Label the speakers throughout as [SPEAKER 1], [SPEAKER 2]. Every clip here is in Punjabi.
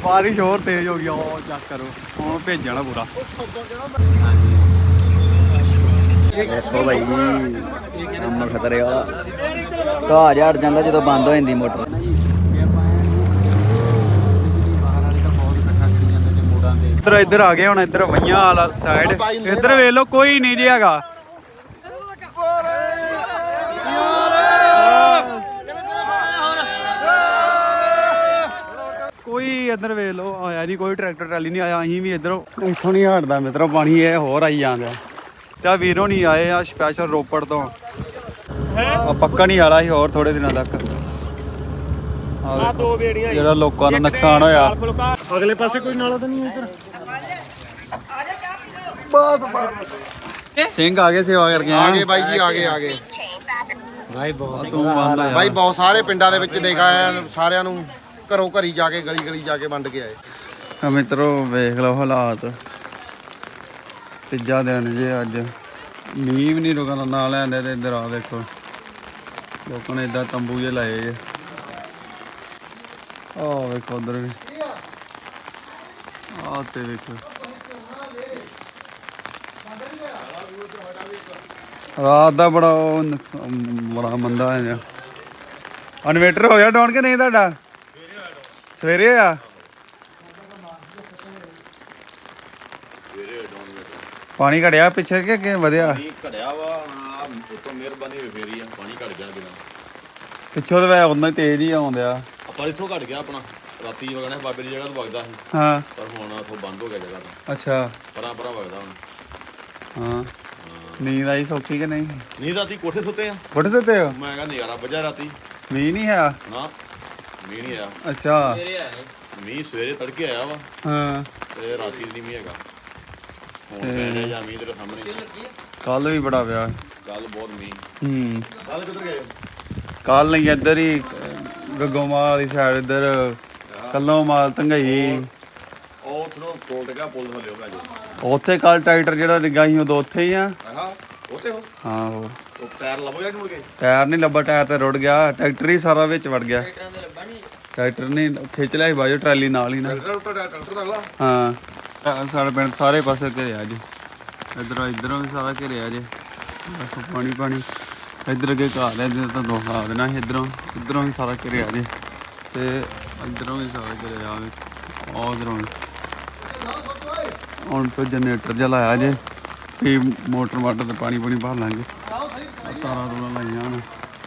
[SPEAKER 1] बारिश और तेज हो गई चेक करो हूँ भेजना पूरा
[SPEAKER 2] देखो भाई काम खतरे वाला घाह झाड़ जाता जो बंद हो जाती मोटर
[SPEAKER 1] इधर इधर आ गए हुण इधर वइयां वाला साइड इधर वेख लो कोई नहीं जी हैगा कोई इधर वेख लो आया नहीं कोई ट्रैक्टर ट्रैली नहीं आया अं भी इधरों इतों नहीं हटता मित्रों पानी ये होर आई जाता त्या वीरों नहीं आए आ स्पैशल रोपड़ तो पक्का नहीं आला ही और थोड़े दिनों तक ਜਿਹੜਾ ਲੋਕਾਂ ਦਾ ਨੁਕਸਾਨ ਹੋਇਆ
[SPEAKER 3] ਅਗਲੇ ਪਾਸੇ ਕੋਈ ਨਾਲਾ ਤਾਂ ਨਹੀਂ ਇੱਧਰ
[SPEAKER 1] ਸਿੰਘ ਆ ਗਏ ਸੇਵਾ ਕਰਕੇ
[SPEAKER 4] ਆ ਗਏ ਬਾਈ ਜੀ ਆ ਗਏ
[SPEAKER 3] ਭਾਈ ਬਹੁਤ
[SPEAKER 1] ਤੂੰ ਬੰਦ
[SPEAKER 4] ਬਾਈ ਬਹੁਤ ਸਾਰੇ ਪਿੰਡਾਂ ਦੇ ਵਿੱਚ ਦੇਖਾ ਆਇਆ ਸਾਰਿਆਂ ਨੂੰ ਘਰੋਂ ਘਰੀ ਜਾ ਕੇ ਗਲੀ ਜਾ ਕੇ ਵੰਡ ਕੇ ਆਏ
[SPEAKER 1] ਮਿੱਤਰੋ ਵੇਖ ਲਓ ਹਾਲਾਤ ਤੀਜਾ ਦਿਨ ਜੇ ਅੱਜ ਮੀਂਹ ਵੀ ਨਹੀਂ ਰੁਕਣ ਨਾ ਲੈਂਦੇ ਤੇ ਇੱਧਰ ਆ ਦੇਖੋ ਲੋਕਾਂ ਨੇ ਇਦਾਂ ਤੰਬੂ ਜੇ ਲਾਏ ਜੇ ਆਹ ਵੇਖੋ ਉਧਰ ਵੀ ਆਹ ਤੇ ਵੇਖੋ ਰਾਤ ਦਾ ਬੜਾ ਨੁਕਸਾਨ ਬੜਾ ਮੰਦਾ ਹੈ ਇਨਵੇਟਰ ਹੋ ਗਿਆ ਡਾਊਨ ਕਿ ਨਹੀਂ ਤੁਹਾਡਾ ਸਵੇਰੇ ਆ ਪਾਣੀ ਘੜਿਆ ਪਿੱਛੇ ਕਿ ਅੱਗੇ ਵਧਿਆ
[SPEAKER 4] ਘੜਿਆ ਵਾ ਉਤੋਂ ਮਿਹਰਬਾਨੀ ਫੇਰੀ ਆ ਪਾਣੀ ਘੜ ਗਿਆ ਬਿਨਾਂ
[SPEAKER 1] ਪਿੱਛੋਂ ਤਾਂ ਵੈ ਉਹਨਾਂ ਤੇਜ਼ ਹੀ ਆਉਂਦਿਆ
[SPEAKER 4] ਪਰ ਇੱਥੋਂ ਘੜ ਗਿਆ ਆਪਣਾ ਰਾਤੀ ਵਗਣਾ ਬਾਬੇ ਦੀ ਜਗ੍ਹਾ ਤੋਂ ਵਗਦਾ ਸੀ
[SPEAKER 1] ਹਾਂ
[SPEAKER 4] ਪਰ ਹੁਣ ਉੱਥੋਂ ਬੰਦ ਹੋ ਗਿਆ ਜਗ੍ਹਾ ਤੋਂ
[SPEAKER 1] ਅੱਛਾ
[SPEAKER 4] ਪਰਾਂ ਵਗਦਾ ਹੁਣ
[SPEAKER 1] ਹਾਂ ਨੀਂਦ ਆਈ ਸੌਖੀ ਕਿ ਨਹੀਂ
[SPEAKER 4] ਨੀਂਦ ਰਾਤੀ ਕੋਠੇ ਸੁੱਤੇ ਆ
[SPEAKER 1] ਉੱਠ ਸਕਦੇ ਹੋ
[SPEAKER 4] ਮੈਂ ਕਿਹਾ ਨਜ਼ਾਰਾ ਵੱਜਾ ਰਾਤੀ
[SPEAKER 1] ਮੀਂਹ ਨਹੀਂ ਹੈ
[SPEAKER 4] ਨਾ ਮੀਂਹ ਨਹੀਂ ਆਇਆ
[SPEAKER 1] ਅੱਛਾ
[SPEAKER 4] ਮੀਂਹ ਸਵੇਰੇ ਤੜਕੇ ਆਇਆ ਵਾ
[SPEAKER 1] ਹਾਂ
[SPEAKER 4] ਤੇ ਰਾਤੀ ਨਹੀਂ ਮੀਂਹ ਹੈਗਾ ਹੁਣ ਕਹਿੰਦੇ ਜਾਂ ਮੀਂਹ ਤੇਰੇ ਸਾਹਮਣੇ
[SPEAKER 1] ਕੱਲ ਵੀ ਬੜਾ ਪਿਆ
[SPEAKER 4] ਗੱਲ ਬਹੁਤ ਮੀਂਹ ਕੱਲ ਕਿੱਧਰ ਗਏ
[SPEAKER 1] ਕੱਲ ਨਹੀਂ ਇੱਧਰ ਹੀ ਗੱਗੋਮਾਲ ਵਾਲੀ ਸਾਈਡ ਇੱਧਰ ਕੱਲੋਂ ਮਾਲ ਧੰਗਈ
[SPEAKER 4] ਉਹ ਥਰੋ ਕੋਲ ਟਿਕਾ ਪੁੱਲ ਥੱਲੇ ਹੋ ਗਿਆ
[SPEAKER 1] ਉੱਥੇ ਕੱਲ ਟਰੈਕਟਰ ਜਿਹੜਾ ਡਿੱਗਾ ਸੀ ਉਦੋਂ ਉੱਥੇ ਹੀ ਆ
[SPEAKER 4] ਹਾਂ ਉੱਥੇ ਹੋ
[SPEAKER 1] ਹਾਂ ਹੋਰ
[SPEAKER 4] ਉਹ ਟਾਇਰ ਲੱਭੋ ਜਾਂ ਮੁੜ ਗਏ
[SPEAKER 1] ਟਾਇਰ ਨਹੀਂ ਲੱਭਾ ਟਾਇਰ ਤੇ ਰੁੜ ਗਿਆ ਟਰੈਕਟਰ ਹੀ ਸਾਰਾ ਵਿੱਚ ਵੜ ਗਿਆ ਟਰੈਕਟਰ ਨੇ ਖਿੱਚ ਲਿਆ ਸੀ ਬਾਜੋ ਟਰਾਲੀ ਨਾਲ ਹੀ ਨਾ
[SPEAKER 4] ਟਰੈਕਟਰ ਅਗਲਾ
[SPEAKER 1] ਹਾਂ ਸਾਡੇ ਪਿੰਡ ਸਾਰੇ ਪਾਸੇ ਘਿਰਿਆ ਜੀ ਇੱਧਰੋਂ ਵੀ ਸਾਰਾ ਘਿਰਿਆ ਜੇ ਦੇਖੋ ਪਾਣੀ ਇੱਧਰ ਅੱਗੇ ਘਾਹ ਲੈ ਇੱਧਰ ਤਾਂ ਦੋਖਾ ਦੇਣਾ ਸੀ ਇੱਧਰੋਂ ਵੀ ਸਾਰਾ ਘਿਰਿਆ ਜੇ ਤੇ ਇੱਧਰੋਂ ਵੀ ਸਾਰਾ ਘਿਰਿਆ ਆ ਉੱਧਰੋਂ ਵੀ ਹੁਣ ਤੋਂ ਜਨਰੇਟਰ ਜਿਹਾ ਲਾਇਆ ਜੇ ਵੀ ਮੋਟਰ ਤੇ ਪਾਣੀ ਭਰ ਲਾਂਗੇ ਤਾਰਾਂ ਤੂਰਾਂ ਲਾਈਆਂ ਹੁਣ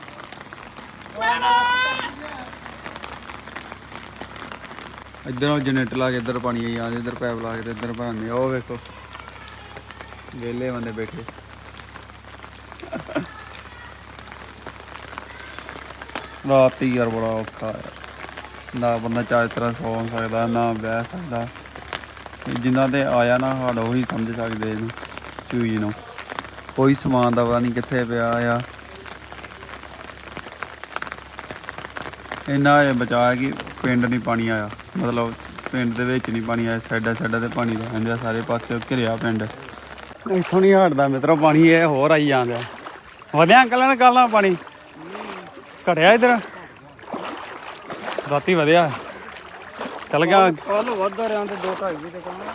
[SPEAKER 1] ਇੱਧਰੋਂ ਜਨਰੇਟਰ ਲਾ ਕੇ ਇੱਧਰ ਪਾਣੀ ਆਈ ਜਾਂਦੇ ਇੱਧਰ ਪੈਪ ਲਾ ਕੇ ਤੇ ਇੱਧਰ ਭਰਨੇ ਉਹ ਵੇਖੋ ਵਿਹਲੇ ਬੰਦੇ ਬੈਠੇ ਰਾਤੀ ਯਾਰ ਬੜਾ ਔਖਾ ਹੈ ਨਾ ਬੰਦਾ ਚਾਹ ਤਰ੍ਹਾਂ ਸੌਂ ਸਕਦਾ ਨਾ ਬਹਿ ਸਕਦਾ ਜਿਨ੍ਹਾਂ ਤੇ ਆਇਆ ਨਾ ਹਾਲ ਉਹੀ ਸਮਝ ਸਕਦੇ ਇਹਨੂੰ ਚੂਈ ਨੂੰ ਕੋਈ ਸਮਾਨ ਦਾ ਪਤਾ ਨਹੀਂ ਕਿੱਥੇ ਪਿਆ ਆ ਇੰਨਾ ਇਹ ਬਚਾਇਆ ਕਿ ਪਿੰਡ ਨਹੀਂ ਪਾਣੀ ਆਇਆ ਮਤਲਬ ਪਿੰਡ ਦੇ ਵਿੱਚ ਨਹੀਂ ਪਾਣੀ ਆਇਆ ਸਾਈਡਾਂ ਤੇ ਪਾਣੀ ਰਹਿੰਦੇ ਆ ਸਾਰੇ ਪਾਸੇ ਘਿਰਿਆ ਪਿੰਡ ਇੱਥੋਂ ਨਹੀਂ ਹਟਦਾ ਮਿੱਤਰੋ ਪਾਣੀ ਇਹ ਹੋਰ ਆਈ ਜਾਂਦਾ ਵਧਿਆ ਅੰਕਲ ਨੇ ਕੱਲ ਨਾਲ ਪਾਣੀ ਘਟਿਆ ਇੱਧਰ ਰਾਤੀ ਵਧਿਆ ਚੱਲ ਗਿਆ
[SPEAKER 3] ਕੱਲ ਵੱਧਦਾ ਰਿਆਂ ਤੇ 2-2.5 ਵੀ ਤੇ ਕਹਾਂ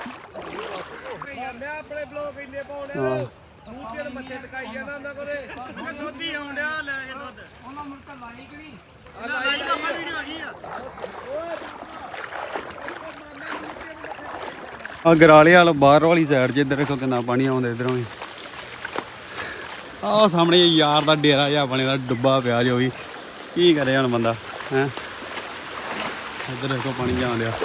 [SPEAKER 3] ਮੈਂ ਆਪਣੇ ਬਲੌਗ ਇੰਨੇ ਪਾਉਣੇ ਮੂੰਹ ਤੇ ਮੱਥੇ ਟਕਾਈ ਜਾਂਦਾ ਉਹਨਾਂ ਕੋਲੇ ਦੁੱਧ ਹੀ ਆਉਂਦਿਆ ਲੈ ਕੇ ਦੁੱਧ ਉਹਨਾਂ ਮੁੜ ਕੇ ਲਾਈ ਕਿ ਨਹੀਂ ਲਾਈ ਤਾਂ ਵੀਡੀਓ ਆ ਗਈ
[SPEAKER 1] ਆ ਗਰਾਲੇ ਵਾਲ ਬਾਹਰ ਵਾਲੀ ਸਾਈਡ 'ਚ ਇੱਧਰ ਦੇਖੋ ਕਿੰਨਾ ਪਾਣੀ ਆਉਂਦਾ ਇੱਧਰੋਂ ਵੀ ਆਹ ਸਾਹਮਣੇ ਯਾਰ ਦਾ ਡੇਰਾ ਜਿਹਾ ਬਣੇ ਦਾ ਡੁੱਬਾ ਪਿਆ ਜੋ ਵੀ ਕੀ ਕਰੇ ਹੁਣ ਬੰਦਾ ਹੈਂ ਇੱਧਰ ਦੇਖੋ ਪਾਣੀ ਜਾਣ ਡਿਆ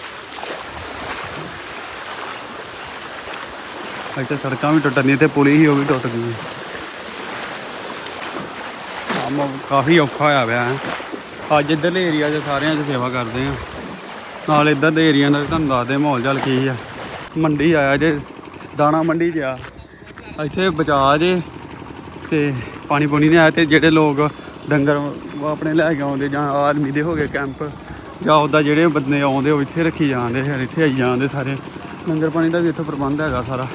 [SPEAKER 1] ਇੱਥੇ ਸੜਕਾਂ ਵੀ ਟੁੱਟਣੀਆਂ ਤੇ ਪੁਲੀ ਹੀ ਉਹ ਵੀ ਟੁੱਟ ਗਈ ਕੰਮ ਕਾਫੀ ਔਖਾ ਹੋਇਆ ਪਿਆ ਹੈ ਅੱਜ ਇੱਧਰਲੇ ਏਰੀਆ 'ਚ ਸਾਰਿਆਂ 'ਚ ਸੇਵਾ ਕਰਦੇ ਆ ਨਾਲ ਇੱਧਰ ਦੇ ਏਰੀਆ ਦਾ ਤੁਹਾਨੂੰ ਦੱਸਦੇ ਮਾਹੌਲ ਚਾਲ ਕੀ ਆ ਮੰਡੀ ਆਇਆ ਜੇ ਦਾਣਾ ਮੰਡੀ 'ਚ ਆ ਇੱਥੇ ਬਚਾ ਜੇ ਤੇ ਪਾਣੀ ਪੂਣੀ ਨਹੀਂ ਆਇਆ ਤੇ ਜਿਹੜੇ ਲੋਕ ਡੰਗਰ ਆਪਣੇ ਲੈ ਕੇ ਆਉਂਦੇ ਜਾਂ ਆਰਮੀ ਦੇ ਹੋ ਗਏ ਕੈਂਪ ਜਾਂ ਉੱਦਾਂ ਜਿਹੜੇ ਬੰਦੇ ਆਉਂਦੇ ਉਹ ਇੱਥੇ ਰੱਖੀ ਜਾਂਦੇ ਫਿਰ ਇੱਥੇ ਆਈ ਜਾਂਦੇ ਸਾਰੇ ਲੰਗਰ ਪਾਣੀ ਦਾ ਵੀ ਇੱਥੇ ਪ੍ਰਬੰਧ ਹੈਗਾ ਸਾਰਾ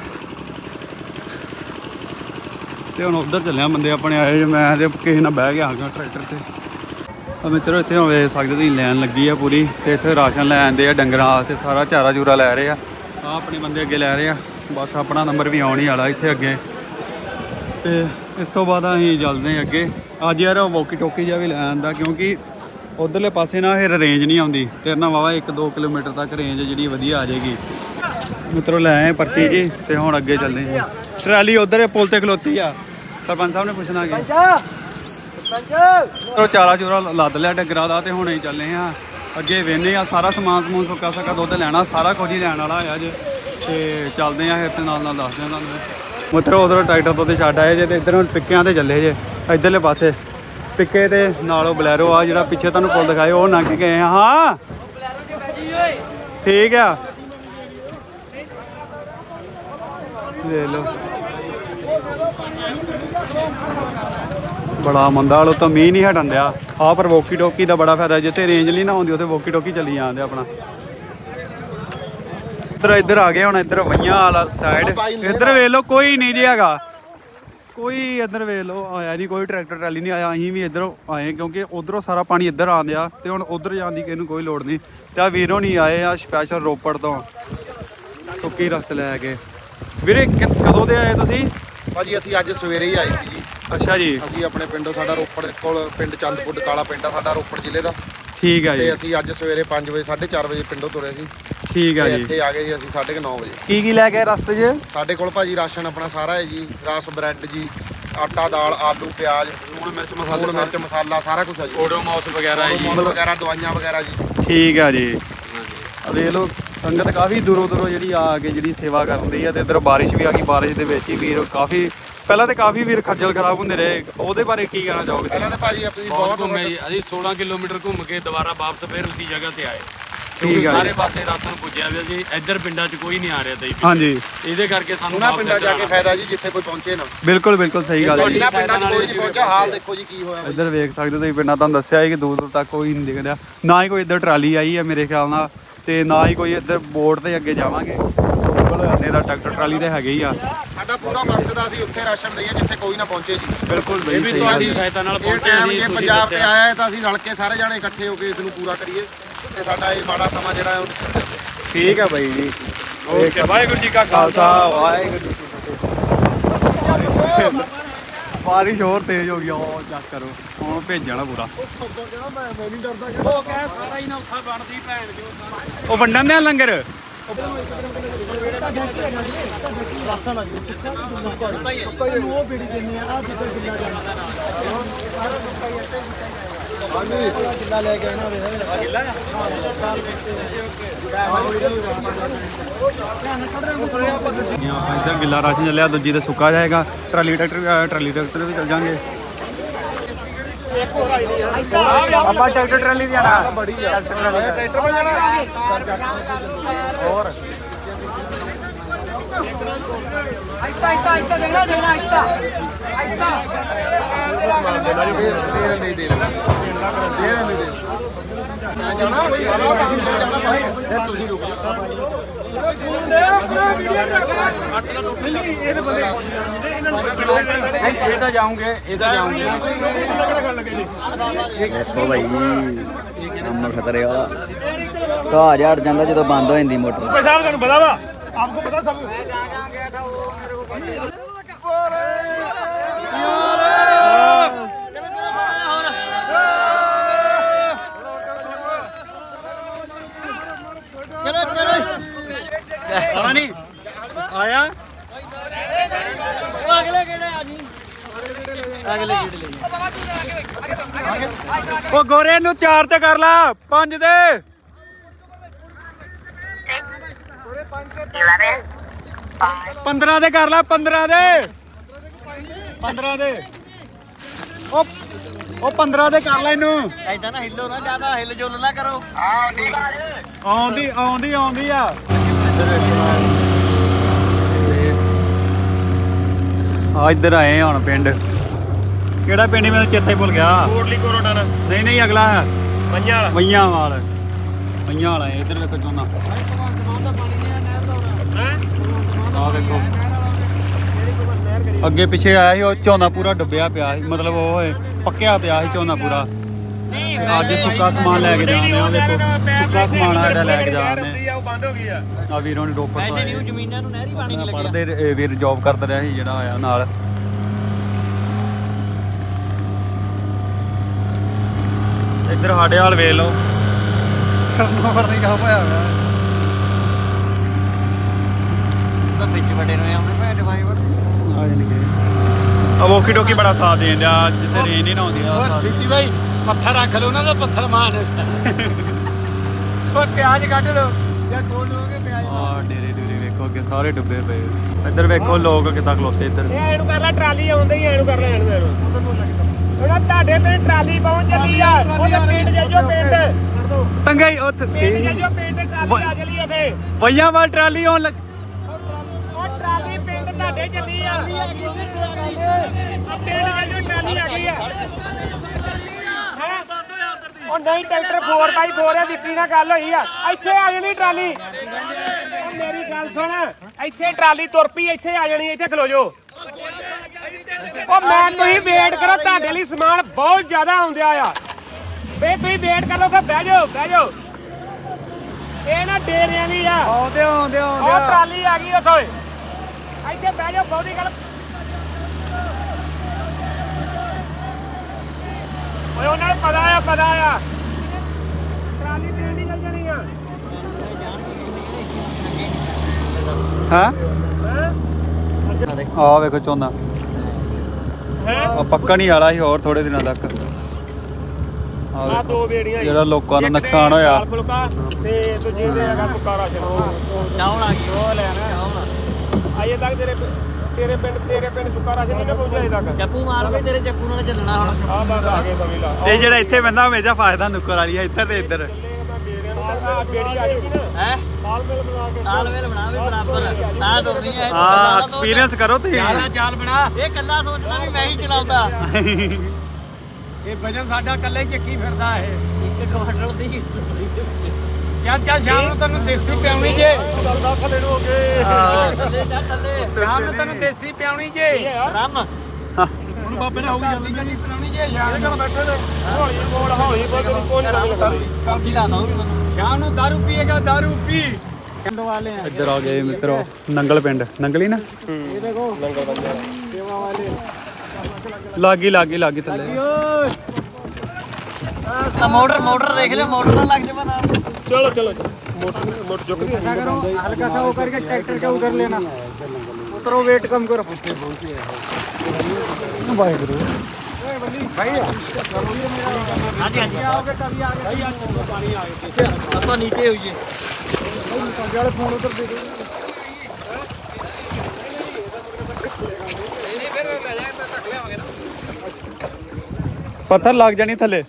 [SPEAKER 1] ਤੇ ਹੁਣ ਉੱਧਰ ਚੱਲਿਆ ਬੰਦੇ ਆਪਣੇ ਆਏ ਮੈਂ ਤੇ ਕਿਸੇ ਨਾਲ ਬਹਿ ਕੇ ਆ ਗਿਆ ਟਰੈਕਟਰ ਤੇ ਮਿੱਤਰੋ ਇੱਥੇ ਹੁਣ ਵੇਖ ਸਕਦੇ ਤੁਸੀਂ ਲਾਈਨ ਲੱਗੀ ਆ ਪੂਰੀ ਤੇ ਇੱਥੇ ਰਾਸ਼ਨ ਲੈ ਆਂਦੇ ਆ ਡੰਗਰਾਂ ਵਾਸਤੇ ਸਾਰਾ ਚਾਰਾ ਚੂਰਾ ਲੈ ਰਹੇ ਆ ਆਪਣੇ ਬੰਦੇ ਅੱਗੇ ਲੈ ਰਹੇ ਆ ਬਸ ਆਪਣਾ ਨੰਬਰ ਵੀ ਆਉਣ ਹੀ ਵਾਲਾ ਇੱਥੇ ਅੱਗੇ ਤੇ ਇਸ ਤੋਂ ਬਾਅਦ ਅਸੀਂ ਚੱਲਦੇ ਹਾਂ ਅੱਗੇ ਅੱਜ ਯਾਰ ਵੋਕੀ ਟੋਕੀ ਜਿਹਾ ਵੀ ਲੈ ਆਂਦਾ ਕਿਉਂਕਿ ਉਧਰਲੇ ਪਾਸੇ ਨਾ ਫਿਰ ਰੇਂਜ ਨਹੀਂ ਆਉਂਦੀ ਤੇਰੇ ਨਾਲ ਵਾਵਾ 1-2 ਕਿਲੋਮੀਟਰ ਤੱਕ ਰੇਂਜ ਜਿਹੜੀ ਵਧੀਆ ਆ ਜਾਏਗੀ ਮਿੱਤਰੋ ਲੈ ਆਏ ਪਰਚੀ ਜੀ ਤੇ ਹੁਣ ਅੱਗੇ ਚੱਲਦੇ ਹਾਂ ਟਰਾਲੀ ਉਧਰ ਪੁਲ ਤੇ ਖਲੋਤੀ ਆ ਸਰਪੰਚ ਸਾਹਿਬ ਨੇ ਪੁੱਛਣਾ ਕਿ ਚਾਰਾ ਚੂਰਾ ਲੱਦ ਲਿਆ ਡੰਗਰਾਂ ਦਾ ਤੇ ਹੁਣੇ ਹੀ ਚੱਲੇ ਆ ਅੱਗੇ ਵੇਨੇ ਆ ਸਾਰਾ ਸਮਾਨ ਸਮੂਨ ਸੁੱਕਾ ਸਕਾ ਦੁੱਧ ਲੈਣਾ ਸਾਰਾ ਕੁਝ ਹੀ ਲੈਣ ਵਾਲਾ ਆ ਅੱਜ ਤੇ ਚੱਲਦੇ ਆ ਫਿਰ ਤੇ ਨਾਲ ਦੱਸਦੇ ਆ ਤੁਹਾਨੂੰ ਮਿੱਤਰੋ ਉਧਰੋਂ ਟਰੈਕਟਰ ਤੋਂ ਤੇ ਛੱਡ ਆਏ ਜੇ ਤੇ ਇੱਧਰੋਂ ਪਿੱਕਿਆਂ ਤੇ ਚੱਲੇ ਜੇ ਇੱਧਰਲੇ ਪਾਸੇ ਪਿੱਕੇ ਤੇ ਨਾਲੋਂ ਬਲੈਰੋ ਆ ਜਿਹੜਾ ਪਿੱਛੇ ਤੁਹਾਨੂੰ ਪੁੱਲ ਦਿਖਾਏ ਉਹ ਲੰਘ ਕੇ ਗਏ ਆ ਹਾਂ ਠੀਕ ਆ ਲੈ ਲਓ ਬੜਾ ਮੰਦਾ ਵਾਲੋ ਤਾਂ ਮੀਂਹ ਨਹੀਂ ਹਟਣ ਦਿਆ ਆ ਪਰ ਵੋਕੀ ਟੋਕੀ ਦਾ ਬੜਾ ਫਾਇਦਾ ਜਿੱਥੇ ਰੇਂਜ ਨਹੀਂ ਨਾ ਆਉਂਦੀ ਉੱਥੇ ਵੋਕੀ ਟੋਕੀ ਚੱਲੀ ਜਾਂਦੇ ਆਪਣਾ ਇੱਧਰ ਆ ਗਏ ਹੁਣ ਇੱਧਰ ਵਈਆਂ ਵਾਲਾ ਸਾਈਡ ਇੱਧਰ ਵੇਖ ਲਓ ਕੋਈ ਨਹੀਂ ਜੀ ਹੈਗਾ ਕੋਈ ਇੱਧਰ ਵੇਖ ਲਓ ਆਇਆ ਨਹੀਂ ਕੋਈ ਟਰੈਕਟਰ ਟਰਾਲੀ ਨਹੀਂ ਆਇਆ ਅਸੀਂ ਵੀ ਇੱਧਰੋਂ ਆਏ ਕਿਉਂਕਿ ਉਧਰੋਂ ਸਾਰਾ ਪਾਣੀ ਇੱਧਰ ਆਉਂਦਿਆ ਤੇ ਹੁਣ ਉਧਰ ਜਾਣ ਦੀ ਕਿਸੇ ਨੂੰ ਕੋਈ ਲੋੜ ਨਹੀਂ ਤੇ ਆ ਵੀਰੋਂ ਨਹੀਂ ਆਏ ਆ ਸਪੈਸ਼ਲ ਰੋਪੜ ਤੋਂ ਸੁੱਕੀ ਰਸਤ ਲੈ ਕੇ ਵੀਰੇ ਕਦੋਂ ਦੇ ਆਏ ਤੁਸੀਂ
[SPEAKER 4] ਭਾਜੀ ਅਸੀਂ ਅੱਜ ਸਵੇਰੇ ਹੀ ਆਏ ਸੀ ਜੀ
[SPEAKER 1] ਅੱਛਾ ਜੀ
[SPEAKER 4] ਅਸੀਂ ਆਪਣੇ ਪਿੰਡੋਂ ਸਾਡਾ ਰੋਪੜ ਕੋਲ ਪਿੰਡ ਚੰਦਪੁਰ ਕਾਲਾ ਪਿੰਡ ਆ ਸਾਡਾ ਰੋਪੜ ਜ਼ਿਲ੍ਹੇ ਦਾ
[SPEAKER 1] ਠੀਕ ਆ ਜੀ
[SPEAKER 4] ਤੇ ਅਸੀਂ ਅੱਜ ਸਵੇਰੇ 5 ਵਜੇ 4:30 ਵਜੇ ਪਿੰਡੋਂ ਤੁਰੇ ਸੀ
[SPEAKER 1] ਠੀਕ ਆ
[SPEAKER 4] ਤੇ
[SPEAKER 1] ਜੀ
[SPEAKER 4] ਇੱਥੇ ਆ ਗਏ ਜੀ ਅਸੀਂ 9:30 ਵਜੇ
[SPEAKER 1] ਕੀ ਲੈ ਕੇ ਰਸਤੇ 'ਚ
[SPEAKER 4] ਸਾਡੇ ਕੋਲ ਭਾਜੀ ਰਾਸ਼ਨ ਆਪਣਾ ਸਾਰਾ ਹੈ ਜੀ ਰਸ ਬ੍ਰੈਡ ਜੀ ਆਟਾ ਦਾਲ ਆਲੂ ਪਿਆਜ਼ ਲੂਣ ਮਿਰਚ ਮਸਾਲਾ ਸਾਰਾ ਕੁਝ ਹੈ ਜੀ
[SPEAKER 1] ਓਡੋਮੋਸ ਵਗੈਰਾ
[SPEAKER 4] ਵਗੈਰਾ ਦਵਾਈਆਂ ਵਗੈਰਾ ਜੀ
[SPEAKER 1] ਠੀਕ ਆ ਜੀ ਵੇਖ ਲਓ ਸੰਗਤ ਕਾਫੀ ਦੂਰੋਂ ਜਿਹੜੀ ਆ ਕੇ ਜਿਹੜੀ ਸੇਵਾ ਕਰਦੀ ਆ ਤੇ ਇੱਧਰ ਬਾਰਿਸ਼ ਵੀ ਆ ਗਈ ਬਾਰਿਸ਼ ਦੇ ਵਿੱਚ ਹੀ ਵੀਰ ਕਾਫੀ ਪਹਿਲਾਂ ਤੇ ਕਾਫੀ ਵੀਰ ਖੱਜਲ ਖਰਾਬ ਹੁੰਦੇ ਰਹੇ ਉਹਦੇ ਬਾਰੇ ਕੀ ਕਹਿਣਾ ਚਾਹੋਗੇ
[SPEAKER 4] ਪਹਿਲਾਂ ਤਾਂ ਭਾਜੀ ਆਪਣੀ
[SPEAKER 5] ਬਹੁਤ ਘੁੰਮੇ ਜੀ ਅਸੀਂ 16 ਕਿਲੋਮੀਟਰ ਘੁੰਮ ਕੇ ਦੁਬਾਰਾ ਵਾਪਸ ਫਿਰ ਉਸੀ ਜਗ੍ਹਾ ਤੇ ਆਏ
[SPEAKER 1] ਠੀਕ ਆ
[SPEAKER 5] ਸਾਰੇ ਪਾਸੇ ਰਾਸ਼ਨ ਪੁੱਜਿਆ ਹੋਇਆ ਸੀ ਇੱਧਰ ਪਿੰਡਾਂ 'ਚ ਕੋਈ ਨਹੀਂ ਆ ਰਿਹਾ ਤਾ
[SPEAKER 1] ਹਾਂਜੀ
[SPEAKER 5] ਇਹਦੇ ਕਰਕੇ ਸਾਨੂੰ
[SPEAKER 4] ਉਹਨਾਂ ਪਿੰਡਾਂ ਜਾ ਕੇ ਫਾਇਦਾ ਜੀ ਜਿੱਥੇ ਕੋਈ ਪਹੁੰਚੇ ਨਾ
[SPEAKER 1] ਬਿਲਕੁਲ ਸਹੀ ਗੱਲ ਜੀ
[SPEAKER 4] ਇਹਨਾਂ ਪਿੰਡਾਂ 'ਚ ਕੋਈ ਨਹੀਂ ਪਹੁੰਚਿਆ ਹਾਲ ਦੇਖੋ ਜੀ ਕੀ ਹੋਇਆ
[SPEAKER 1] ਇੱਧਰ ਵੇਖ ਸਕਦੇ ਤੁਸੀਂ ਪਿੰਡਾਂ ਤੁਹਾਨੂੰ ਦੱਸਿਆ ਕਿ ਦੂਰ ਤੱਕ ਕੋਈ ਨਹੀਂ ਦਿਖਦਾ ਨਾ ਹੀ ਕੋਈ ਇੱਧਰ ਟਰਾਲੀ ਆਈ ਹੈ ਮੇਰੇ ਖਿਆਲ ਨਾਲ ਤੇ ਨਾ ਹੀ ਕੋਈ ਇੱਧਰ ਬੋਰਡ ਤੇ ਅੱਗੇ ਜਾਵਾਂਗੇ ਬਿਲਕੁਲ ਦਾ ਟਰੈਕਟਰ ਟਰਾਲੀ ਤੇ ਹੈਗੇ ਹੀ ਆ
[SPEAKER 4] ਸਾਡਾ ਪੂਰਾ ਮਕਸਦ ਆ ਅਸੀਂ ਉੱਥੇ ਰਾਸ਼ਨ ਦਈਏ ਜਿੱਥੇ ਕੋਈ ਨਾ ਪਹੁੰਚੇ ਜੀ
[SPEAKER 1] ਬਿਲਕੁਲ
[SPEAKER 5] ਇਹ ਵੀ ਤੁਹਾਡੀ ਸਹਾਇਤਾ ਨਾਲ ਪਹੁੰਚੇ
[SPEAKER 4] ਟਾਈਮ
[SPEAKER 5] ਜੀ
[SPEAKER 4] ਜੇ
[SPEAKER 5] ਤੁਸੀਂ
[SPEAKER 4] ਪੰਜਾਬ ਤੇ
[SPEAKER 5] ਦੱਸਿਆ
[SPEAKER 4] ਆਇਆ ਹੈ ਤਾਂ ਅਸੀਂ ਰਲ ਕੇ ਸਾਰੇ ਜਾਣੇ ਇਕੱਠੇ ਹੋ ਕੇ ਇਸ ਨੂੰ ਪੂਰਾ ਕਰੀਏ ਤੇ ਸਾਡਾ ਇਹ ਮਾੜਾ ਸਮਾਂ ਜਿਹੜਾ ਹੈ
[SPEAKER 1] ਠੀਕ ਆ ਬਾਈ ਜੀ
[SPEAKER 5] ਓਕੇ ਵਾਹਿਗੁਰੂ ਜੀ ਕਾ
[SPEAKER 1] ਖਾਲਸਾ ਵਾਹਿਗੁਰੂ ਜੀ ਕੀ ਫਤਿਹ ਬਾਰਿਸ਼ ਹੋਰ ਤੇਜ਼ ਹੋ ਗਈ ਉਹ ਚੈੱਕ ਕਰੋ ਹੁਣ ਭੇਜਣਾ ਪੂਰਾ
[SPEAKER 5] ਉਹ ਕਹਿ ਸਾਰਾ ਹੀ ਨਾ ਉੱਥਾ ਬਣਦੀ ਭੈਣ ਜੋ
[SPEAKER 1] ਉਹ ਵੰਡਣ ਦੇ ਲੰਗਰ ਇੱਧਰ ਗਿੱਲਾ ਰਾਸ਼ਨ ਚੱਲਿਆ ਦੂਜੀ ਤੇ ਸੁੱਕਾ ਜਾਏਗਾ ਟਰਾਲੀ ਟਰੈਕਟਰ ਵੀ ਚੱਲ ਜਾਾਂਗੇ ਆਪਾਂ ਟਰੈਕਟਰ ਟਰਾਲੀ ਵੀ ਜਾਣਾ
[SPEAKER 4] ਬੜੀ ਆ ਟਰੈਕਟਰ ਪਰ ਜਾਣਾ ਹੋਰ
[SPEAKER 3] ਆਇਸਤਾ ਦੇਖਣਾ ਆਇਸਤਾ
[SPEAKER 4] ਦੇ ਦੇ ਮੈਂ ਜਾਣਾ ਵਾਲਾ ਬਾਹਰ ਜਾਣਾ ਬਾਹਰ ਤੁਸੀਂ ਰੁਕੋ
[SPEAKER 5] ਇਹ ਤਾਂ ਜਾਉਂਗੇ
[SPEAKER 2] ਦੇਖੋ ਭਾਈ ਕੰਮ ਖਤਰੇ ਵਾਲਾ ਘਾਹ ਝੜ ਜਾਂਦਾ ਜਦੋਂ ਬੰਦ ਹੋ ਜਾਂਦੀ ਮੋਟਰ
[SPEAKER 5] ਸਾਹਿਬ ਤੁਹਾਨੂੰ ਪਤਾ ਵਾ ਆਪਕੋ ਪਤਾ ਸਭ
[SPEAKER 1] ਆਣਾ ਨਹੀਂ ਆਇਆ
[SPEAKER 3] ਅਗਲੇ ਕਿਹੜੇ ਆ ਜੀ ਅਗਲੇ ਕਿਹੜੇ
[SPEAKER 1] ਉਹ ਗੋਰੇ ਨੂੰ 4 ਤੇ ਕਰ ਲਾ 5 ਦੇ 15 ਦੇ ਕਰ ਲਾ 15 ਦੇ 15 ਦੇ ਉਹ 15 ਦੇ ਕਰ ਲੈ ਇਹਨੂੰ
[SPEAKER 3] ਐਦਾਂ ਨਾ ਹਿੱਲੋ ਨਾ ਜ਼ਿਆਦਾ ਹਿੱਲ ਜੁਲ ਨਾ ਕਰੋ
[SPEAKER 1] ਆਉਂਦੀ ਆ ਆ ਇੱਧਰ ਆਏ ਆ ਹੁਣ ਪਿੰਡ ਕਿਹੜਾ ਪਿੰਡ ਮੈਨੂੰ ਚੇਤੇ ਭੁੱਲ ਗਿਆ
[SPEAKER 5] ਕੋਟਲੀ ਕੋਰੋਡਨ
[SPEAKER 1] ਨਹੀਂ ਅਗਲਾ ਹੈ
[SPEAKER 5] ਮਈਆਂ ਵਾਲਾ
[SPEAKER 1] ਮਈਆਂ ਵਾਲਾ ਇੱਧਰ ਵੇਖੋ ਝੋਨਾ ਆ ਵੇਖੋ ਅੱਗੇ ਪਿੱਛੇ ਆਇਆ ਸੀ ਉਹ ਝੋਨਾ ਪੂਰਾ ਡੁੱਬਿਆ ਪਿਆ ਸੀ ਮਤਲਬ ਉਹ ਪੱਕਿਆ ਪਿਆ ਸੀ ਝੋਨਾ ਪੂਰਾ ਅੱਜ ਸੁੱਕਾ ਸਮਾਨ ਲੈ ਕੇ ਜਾਣੇ ਆ ਦੇਖੋ ਸੁੱਕਾ ਸਮਾਨ ਆ ਜਿਹੜਾ ਲੈ ਕੇ ਜਾਣੇ
[SPEAKER 3] ਉਹ ਬੰਦ ਹੋ ਗਈ ਆ
[SPEAKER 1] ਆ ਵੀਰੋਂ ਨੇ ਰੋਪੜ ਤੋਂ ਆਏ
[SPEAKER 2] ਜ਼ਮੀਨਾਂ ਨੂੰ ਨਹਿਰੀ ਪਾਣੀ ਨਹੀਂ
[SPEAKER 1] ਪੜਦੇ ਵੀਰ ਜੌਬ ਕਰਦਾ ਰਿਹਾ ਸੀ ਜਿਹੜਾ ਆਇਆ ਨਾਲ ਇੱਧਰ ਸਾਡੇ ਹਾਲ ਵੇਖ ਲਓ
[SPEAKER 2] ਨੰਬਰ ਨਹੀਂ ਕਾ ਪਾਇਆ ਹੋਇਆ ਤਾਂ ਵਿੱਚ ਵੱਡੇ ਨੂੰ ਆਉਂਦੇ ਭੈਣ ਭਾਈ ਵੜ
[SPEAKER 1] ਆ ਜਾਣਗੇ ਆ ਵੋਕੀ ਟੋਕੀ ਬੜਾ ਸਾਥ ਦੇਣ ਡਿਆ ਜਿੱਥੇ ਰੇਂਜ ਨਹੀਂ ਨਾ ਆਉਂਦੀ ਆ
[SPEAKER 5] ਦਿੱਤੀ ਬਾਈ ਪੱਥਰ ਰੱਖ ਲਓ ਉਹਨਾਂ ਦਾ ਪੱਥਰ ਮਾਨ ਉਹ ਪਿਆਜ਼ ਕੱਢ ਲਓ ਜਾਂ ਕੋਲ ਲੋਗੇ ਪਿਆਜ਼
[SPEAKER 1] ਆ ਡੇਰੇ ਡੂਰੇ ਵੇਖੋ ਅੱਗੇ ਸਾਰੇ ਡੁੱਬੇ ਪਏ ਇੱਧਰ ਵੇਖੋ ਲੋਕ ਕਿੱਦਾਂ ਖਲੋਤੇ ਇੱਧਰ
[SPEAKER 3] ਇਹ ਇਹਨੂੰ ਕਰ ਲੈ ਟਰਾਲੀ ਆਉਂਦੀ ਹੀ ਇਹਨੂੰ ਕਰ ਲੈ ਇਹਨੂੰ ਉਹਨਾਂ ਤੁਹਾਡੇ ਪਿੰਡ ਟਰਾਲੀ ਪਹੁੰਚ ਚੱਲੀ ਆ ਉਹਦੇ ਪਿੰਡ ਜਾਜੋ ਪਿੰਡ
[SPEAKER 1] ਤੰਗਾ ਹੀ ਉੱਥੇ
[SPEAKER 3] ਪਿੰਡ ਜਾਜੋ ਪਿੰਡ ਟਰਾਲੀ ਆ ਚੱਲੀ ਉੱਥੇ
[SPEAKER 1] ਵਈਆਂ ਵਾਲ ਟਰਾਲੀ ਆਉਣ ਲੱਗ
[SPEAKER 3] ਉਹ ਟਰਾਲੀ ਪਿੰਡ ਤੁਹਾਡੇ ਚੱਲੀ ਆ ਪਿੰਡ ਜਾਜੋ ਟਰਾਲੀ ਆ ਗਈ ਆ ਉਹ ਨਹੀਂ ਟਰੈਕਟਰ 4x4 ਆ ਦਿੱਤੀ ਨਾਲ ਗੱਲ ਹੋਈ ਆ ਇੱਥੇ ਆ ਜਾਣੀ ਟਰਾਲੀ ਉਹ ਮੇਰੀ ਗੱਲ ਸੁਣ ਇੱਥੇ ਟਰਾਲੀ ਤੁਰ ਪਈ ਇੱਥੇ ਆ ਜਾਣੀ ਇੱਥੇ ਖਲੋ ਜੋ ਉਹ ਮੈਂ ਤੁਸੀਂ ਵੇਟ ਕਰੋ ਤੁਹਾਡੇ ਲਈ ਸਮਾਨ ਬਹੁਤ ਜ਼ਿਆਦਾ ਆਉਂਦਿਆ ਆ ਵੇ ਤੁਸੀਂ ਵੇਟ ਕਰ ਲਓ ਕਿ ਬਹਿ ਜਾਓ ਇਹ ਨਾ ਡੇਰਿਆਂ ਦੀ ਆ
[SPEAKER 1] ਆਉਂਦੇ
[SPEAKER 3] ਉਹ ਟਰਾਲੀ ਆ ਗਈ ਉੱਥੇ ਇੱਥੇ ਬਹਿ ਜਾਓ ਬਹੁਤੀ ਗੱਲ ਓਏ ਉਹਨਾਂ ਨੂੰ ਪਤਾ ਆ ਟਰਾਲੀ ਦੇਣ ਦੀ ਚੱਲ ਜਾਣੀ ਆ
[SPEAKER 1] ਹਾਂ ਆ ਵੇਖੋ ਝੋਨਾ ਆ ਪੱਕਾ ਨਹੀਂ ਵਾਲਾ ਸੀ ਹੋਰ ਥੋੜੇ ਦਿਨਾਂ ਤੱਕ
[SPEAKER 3] ਆ ਦੋ ਬੇੜੀਆਂ
[SPEAKER 1] ਜਿਹੜਾ ਲੋਕਾਂ ਦਾ ਨੁਕਸਾਨ ਹੋਇਆ
[SPEAKER 3] ਦਾਲ ਫੁਲਕਾ ਤੇ ਦੂਜੇ ਦੇ ਹੈਗਾ ਸੁੱਕਾ ਰਾਸ਼ਨ
[SPEAKER 2] ਚਾਉਣ ਆ ਗਈ ਉਹ ਲੈਣਾ ਚਾਉਣ
[SPEAKER 3] ਅਜੇ ਤੱਕ ਤੇਰੇ ਪਿੰਡ ਸੁੱਕਾ ਰਾਸ਼ਨ ਨਹੀਂ ਨਾ ਪਹੁੰਚਿਆ ਅਜੇ ਤੱਕ
[SPEAKER 2] ਚੱਪੂ ਮਾਰ ਵੀ ਤੇਰੇ ਚੱਪੂ ਨਾਲ ਚੱਲਣਾ ਹੁਣ
[SPEAKER 3] ਆ ਬਸ ਆ ਗਏ ਸਮਝ ਲਾ
[SPEAKER 1] ਤੇ ਜਿਹੜਾ ਇੱਥੇ ਬੰਦਾ ਹਮੇਸ਼ਾ ਫਾਇਦਾ ਨੁੱਕਰ ਵਾਲੀ ਆ ਇੱਧਰ ਤੇ ਇੱਧਰ
[SPEAKER 3] ਆ ਬੇੜੀ ਆ ਜੂਗੀ ਨਾ
[SPEAKER 2] ਹੈ
[SPEAKER 3] ਤਾਲਮੇਲ ਬਣਾ ਕੇ
[SPEAKER 2] ਤਾਲਮੇਲ ਬਣਾ ਵੀ ਬਰਾਬਰ ਤਾਂ ਦੋਨੀ ਹੈ
[SPEAKER 1] ਹਾਂ ਐਕਸਪੀਰੀਅੰਸ ਕਰੋ ਤੁਸੀਂ
[SPEAKER 5] ਚਾਲ ਬਣਾ
[SPEAKER 2] ਇਹ ਕੱਲਾ ਸੋਚਦਾ ਵੀ ਮੈਂ ਹੀ ਚਲਾਉਂਦਾ
[SPEAKER 5] ਇਹ ਵਜਨ ਸਾਡਾ ਕੱਲੇ ਚੱਕੀ ਫਿਰਦਾ ਇਹ
[SPEAKER 2] ਇੱਕ ਕੁਆਟਰ ਦੀ
[SPEAKER 5] ਚੱਲ ਸ਼ਾਮ ਨੂੰ ਤੈਨੂੰ ਦੇਸੀ ਪਿਆਉਣੀ ਜੇ
[SPEAKER 3] ਥੱਲੇ ਨੂੰ ਹੋ ਗਏ
[SPEAKER 2] ਥੱਲੇ ਜਾ ਥੱਲੇ
[SPEAKER 5] ਸ਼ਾਮ ਨੂੰ ਤੈਨੂੰ ਦੇਸੀ ਪਿਆਉਣੀ ਜੇ
[SPEAKER 2] ਰਮ
[SPEAKER 5] ਹੁਣ ਬਾਬੇ ਨੇ ਹੋ ਗਈ ਜਲਦੀ ਪਿਆਉਣੀ ਜੇ ਸ਼ਾਮ ਨੂੰ
[SPEAKER 3] ਬੈਠੇ ਨੇ ਹੌਲੀ ਬੋਲ ਤੇਰੀ ਕੋਈ ਨਹੀਂ ਕਰਦੀ
[SPEAKER 2] ਕਾਫੀ ਲਾਦਾ ਉਹ ਵੀ ਮੈਨੂੰ
[SPEAKER 5] ਸ਼ਾਮ ਨੂੰ ਦਾਰੂ ਪੀਏਗਾ ਦਾਰੂ ਪੀ
[SPEAKER 1] ਇੱਧਰ ਆ ਗਏ ਮਿੱਤਰੋ ਨੰਗਲ ਪਿੰਡ ਨੰਗਲੀ ਨਾ
[SPEAKER 3] ਇਹ ਦੇਖੋ ਲੰਗਰ ਬੰਦੇ ਸੇਵਾ ਵਾਲੇ
[SPEAKER 1] ਲਾਗੀ ਥੱਲੇ
[SPEAKER 2] ਤਾਂ ਮੋਟਰ ਦੇਖ ਲਿਓ ਮੋਟਰ ਨਾ ਲੱਗ ਜਾਵੇ ਨਾਲ
[SPEAKER 3] ਚਲੋ मोटर चुक दी
[SPEAKER 6] हल्का सा वो करके ट्रैक्टर का उधर लेना उतरो वेट कम करो भाई गुरु
[SPEAKER 2] ਹਾਂਜੀ ਹਾਂਜੀ
[SPEAKER 6] आओगे तभी आगे
[SPEAKER 2] ਆਪਾਂ ਨੀਚੇ ਹੋਈਏ
[SPEAKER 6] फोन उधर दे दो
[SPEAKER 1] ਪੱਥਰ ਲੱਗ ਜਾਣੀ ਥੱਲੇ